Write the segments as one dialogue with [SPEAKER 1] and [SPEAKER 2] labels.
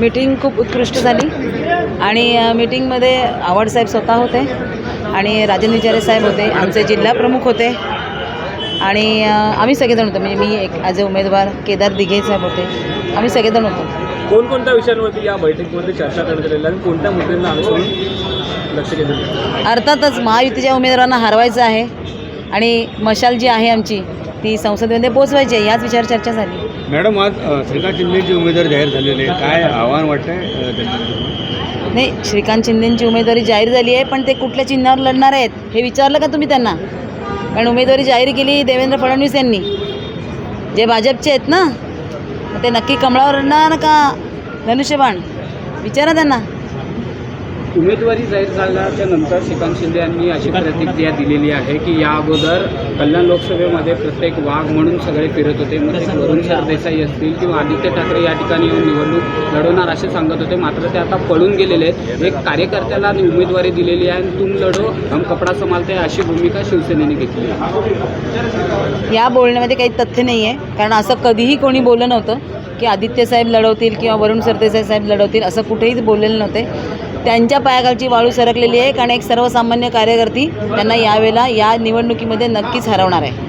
[SPEAKER 1] Meeting खूप उत्कृष्ट झाली आणि मीटिंगमध्ये आवडसाहेब स्वतः होते आणि राजन विचारे साहेब होते, आमचे जिल्हा प्रमुख होते आणि आम्ही सगळेजण होतो. म्हणजे मी एक ॲज अ उमेदवार, केदार दिघे साहेब होते, आम्ही सगळेजण होतो.
[SPEAKER 2] कोणकोणत्या विषयांवरती या बैठकीमध्ये चर्चा करण्यात आली आणि कोणत्या मुद्द्यांना अनुसरून लक्ष केंद्रित?
[SPEAKER 1] अर्थातच महायुतीच्या उमेदवारांना हरवायचं आहे आणि मशाल जी आहे आमची ती संसदेमध्ये पोचवायची आहे, याच विचार चर्चा झाली.
[SPEAKER 3] मॅडम, आज श्रीकांत शिंदेचे उमेदवार जाहीर झालेले, काय आव्हान वाटतंय?
[SPEAKER 1] नाही, श्रीकांत शिंदेंची उमेदवारी जाहीर झाली आहे, पण ते कुठल्या चिन्हावर लढणार आहेत हे विचारलं का तुम्ही त्यांना? कारण उमेदवारी जाहीर केली देवेंद्र फडणवीस यांनी, जे भाजपचे आहेत ना, ते नक्की कमळावर लढणार का धनुष्यबाण? विचारा त्यांना.
[SPEAKER 4] उमेदवारी जाहीर झाल्याच्या नंतर श्रीकांत शिंदे यांनी अशी प्रतिक्रिया दिलेली आहे की या अगोदर कल्याण लोकसभेमध्ये प्रत्येक वाघ म्हणून सगळे फिरत होते. मग ते वरुण सरदेसाई असतील किंवा आदित्य ठाकरे या ठिकाणी येऊन निवडणूक लढवणार असे सांगत होते, मात्र ते आता पळून गेलेले आहेत. एक कार्यकर्त्याला उमेदवारी दिलेली आहे आणि तुम लढो हम कपडा संभालते अशी भूमिका शिवसेनेने घेतली आहे.
[SPEAKER 1] या बोलण्यामध्ये काही तथ्य नाही आहे, कारण असं कधीही कोणी बोललं नव्हतं की आदित्य साहेब लढवतील किंवा वरुण सरदेसाई साहेब लढवतील, असं कुठेही बोललेलं नव्हते. त्यांच्या पायाखालची वाळू सरकलेली आहे, कारण एक सर्वसामान्य कार्यकर्ती त्यांना यावेळेला या निवडणुकीमध्ये नक्कीच हरवणार आहे.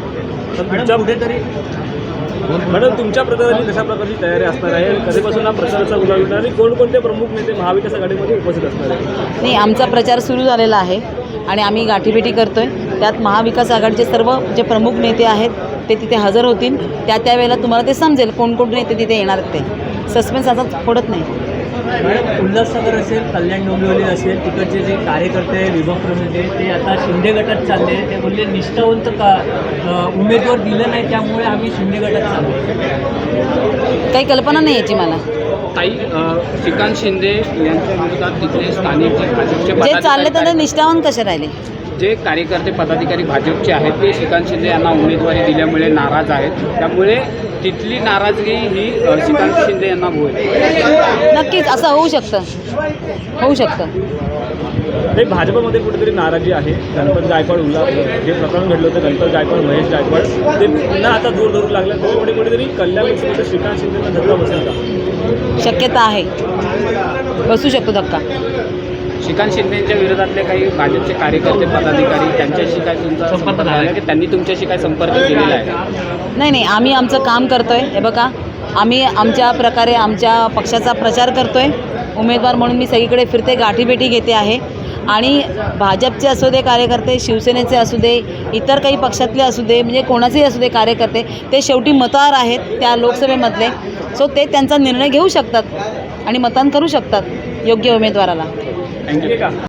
[SPEAKER 2] मॅडम, तुमच्या प्रचाराची कशा प्रकारची तयारी असणार आहे? कधीपासून हा प्रचाराचा उजाळ होणार आणि कोणकोणते प्रमुख नेते महाविकास आघाडीमध्ये उपस्थित असणार आहे?
[SPEAKER 1] नाही, आमचा प्रचार सुरू झालेला आहे आणि आम्ही गाठीभेटी करतो आहे. त्यात महाविकास आघाडीचे सर्व जे प्रमुख नेते आहेत ते तिथे हजर होतील. त्यावेळेला तुम्हाला ते समजेल कोणकोण नेते तिथे येणार आहेत. ते सस्पेन्स आता फोडत नाही.
[SPEAKER 5] उल्हासनगर असेल, कल्याण डोंबिवली असेल, तिकडचे जे कार्यकर्ते विभाग प्रमुख ते आता शिंदे गटात चालले. ते बोलले निष्ठावंत उमेदवार दिलं नाही, त्यामुळे आम्ही शिंदे गटात चाललो.
[SPEAKER 1] काही कल्पना नाही याची मला.
[SPEAKER 4] ताई, श्रीकांत शिंदे यांच्या विरोधात तिथले स्थानिक जे भाजपचे
[SPEAKER 1] जे चालले तर निष्ठावान कसे राहिले?
[SPEAKER 4] जे कार्यकर्ते पदाधिकारी भाजपचे आहेत ते श्रीकांत शिंदे यांना उमेदवारी दिल्यामुळे नाराज आहेत. त्यामुळे तिथली नाराजगी ही श्रीकांत शिंदे यांना होईल.
[SPEAKER 1] नक्कीच असं होऊ शकतं, होऊ शकतं.
[SPEAKER 2] ते भाजपमध्ये कुठेतरी नाराजी आहे. गणपत गायकवाड जे प्रकरण घडलं होतं, गणपत गायकवाड, महेश गायकवाड, ते पुन्हा आता जोर धरू लागले. त्यामुळे कुठेतरी कल्याण लोकसभेमध्ये श्रीकांत शिंदेला धक्का बसेल का?
[SPEAKER 1] शक्यता आहे, बसू शकतो धक्का.
[SPEAKER 4] श्रीकांत शिंदेच्या विरोधातले काही भाजपचे कार्यकर्ते पदाधिकारी त्यांच्याशी काय तुमचा संपर्क झाला की त्यांनी तुमच्याशी काय संपर्क केलेला आहे?
[SPEAKER 1] नाही, आम्ही आमचं काम करतो आहे. हे बघा, आम्ही आमच्या प्रकारे आमच्या पक्षाचा प्रचार करतो आहे. उमेदवार म्हणून मी सगळीकडे फिरते, गाठीभेटी घेते आहे आणि भाजपचे असू दे कार्यकर्ते, शिवसेनेचे असू दे, इतर काही पक्षातले असू दे, म्हणजे कोणाचेही असू दे कार्यकर्ते, ते शेवटी मतदार आहेत त्या लोकसभेमधले. सो ते त्यांचा निर्णय घेऊ शकतात आणि मतदान करू शकतात योग्य उमेदवाराला.
[SPEAKER 2] थँक्यू.